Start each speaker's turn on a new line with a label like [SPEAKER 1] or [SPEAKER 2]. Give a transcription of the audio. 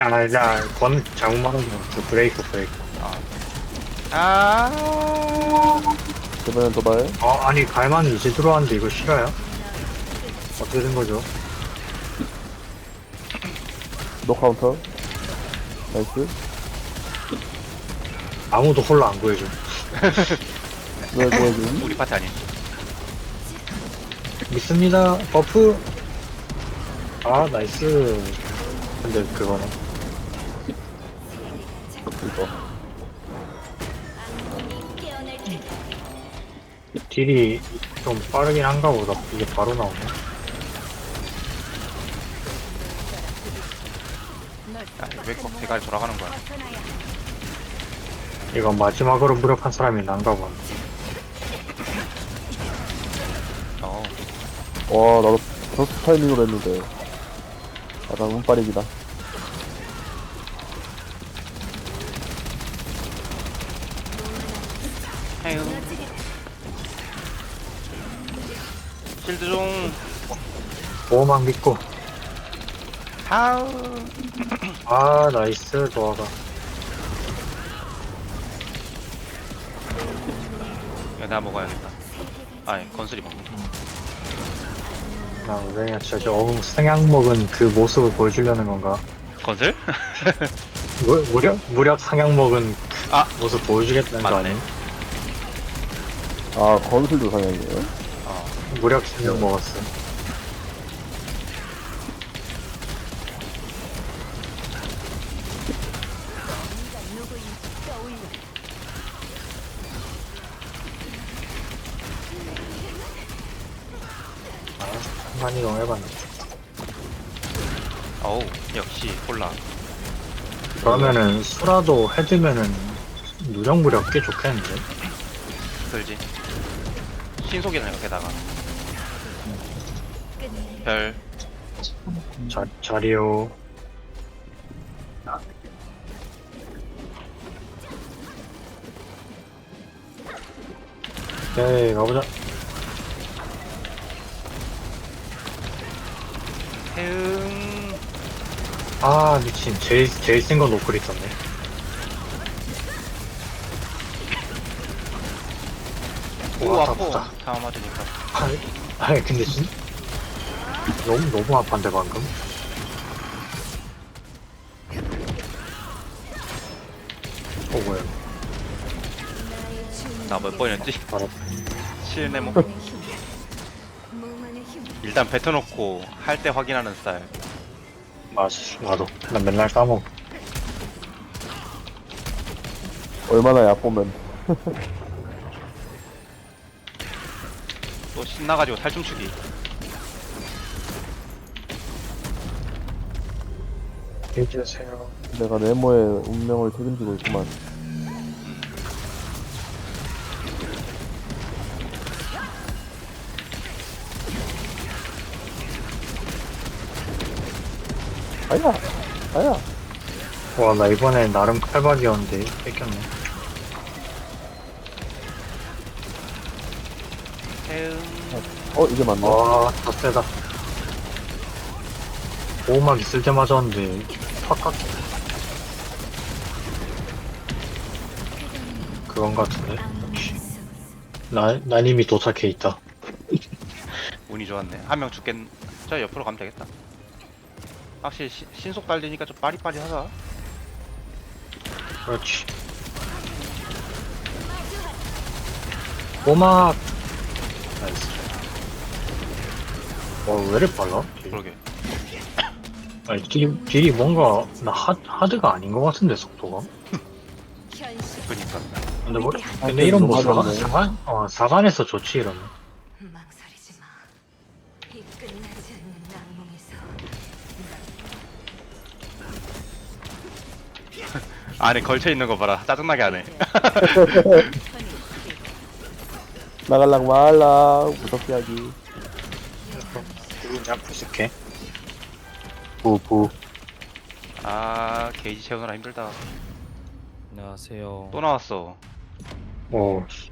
[SPEAKER 1] 권 잘못 말한 거 같아. 브레이크.
[SPEAKER 2] 그러면 도발.
[SPEAKER 1] 아니, 갈만이 이제 들어왔는데 이거 싫어요? 어떻게 된 거죠?
[SPEAKER 2] 노 카운터. 나이스.
[SPEAKER 1] 아무도 홀라 안 구해줘.
[SPEAKER 2] 왜 보여줌?
[SPEAKER 3] 우리 파티 아닌.
[SPEAKER 1] 믿습니다. 버프. 나이스. 근데 그거는.
[SPEAKER 2] 이거.
[SPEAKER 1] 딜이 좀 빠르긴 한가 보다. 이게 바로 나오네.
[SPEAKER 3] 왜 꼭 대가리 돌아가는 거야?
[SPEAKER 1] 이건 마지막으로 무력한 사람이 난가 보네.
[SPEAKER 3] 어,
[SPEAKER 2] 와, 나도 저스 타이밍으로 했는데. 나 운빨이기다.
[SPEAKER 3] 해요. 실드 좀.
[SPEAKER 1] 보호막 믿고.
[SPEAKER 3] 하우.
[SPEAKER 1] 나이스. 도화가.
[SPEAKER 3] 야, 내가 먹어야겠다. 아니, 건슬이 먹는.
[SPEAKER 1] 왜냐, 성향 먹은 그 모습을 보여주려는 건가?
[SPEAKER 3] 건슬?
[SPEAKER 1] 무력 상향 먹은
[SPEAKER 3] 아,
[SPEAKER 1] 모습 보여주겠다는 거
[SPEAKER 3] 맞네.
[SPEAKER 1] 아니야?
[SPEAKER 2] 건술도 상향이에요?
[SPEAKER 3] 어,
[SPEAKER 1] 무력 상향 먹었어. 많이 이용해봤네.
[SPEAKER 3] 어우, 역시 콜라.
[SPEAKER 1] 그러면은 수라도 헤드면은 무력 꽤 좋겠는데?
[SPEAKER 3] 그러지. 신속이네, 게다가. 별.
[SPEAKER 1] 자리요. 오케이, 가보자.
[SPEAKER 3] 해응.
[SPEAKER 1] 미친. 제일 센 거 노클 있었네.
[SPEAKER 3] 오,
[SPEAKER 1] 와,
[SPEAKER 3] 아파.
[SPEAKER 1] 아프다.
[SPEAKER 3] 다 맞으니까.
[SPEAKER 1] 근데 너무 아판데, 방금? 뭐야.
[SPEAKER 3] 나 몇 번이었지?
[SPEAKER 1] 바로.
[SPEAKER 3] 실내모. 일단 뱉어놓고 할 때 확인하는 스타일.
[SPEAKER 1] 나도. 난 맨날 까먹어.
[SPEAKER 2] 얼마나 얕보면.
[SPEAKER 3] 또 신나가지고 살춤추기.
[SPEAKER 1] 해주세요.
[SPEAKER 2] 내가 네모의 운명을 책임지고 있구만. 아야.
[SPEAKER 1] 와, 나 이번에 나름 칼박이었는데, 뺏겼네.
[SPEAKER 3] 해응.
[SPEAKER 2] 이게 맞나?
[SPEAKER 1] 더 세다. 보호막 있을 때 맞았는데, 팍팍. 그건 같은데? 역시. 난 이미 도착해 있다.
[SPEAKER 3] 운이 좋았네. 한 명 죽겠. 저 옆으로 가면 되겠다. 확실히 신속 달리니까 좀 빠리빠리하다.
[SPEAKER 1] 그렇지. 보호막! 나이스. 왜 이렇게 빨라?
[SPEAKER 3] 그러게.
[SPEAKER 1] 아니, 딜이 뭔가, 하드가 아닌 것 같은데, 속도가?
[SPEAKER 3] 그니까.
[SPEAKER 1] 근데 이런 뭐,
[SPEAKER 2] 맞았네.
[SPEAKER 1] 사관에서 좋지, 이러면.
[SPEAKER 4] 망설이지 마. 이 끝나지 않는 악몽에서
[SPEAKER 3] 안에 걸쳐있는 거 봐라. 짜증나게 하네.
[SPEAKER 2] 나갈랑 말랑. 무섭게 하기.
[SPEAKER 1] 누군 잡고 있을게. 부.
[SPEAKER 3] 게이지 채우느라 힘들다.
[SPEAKER 5] 안녕하세요.
[SPEAKER 3] 또 나왔어.
[SPEAKER 1] 오,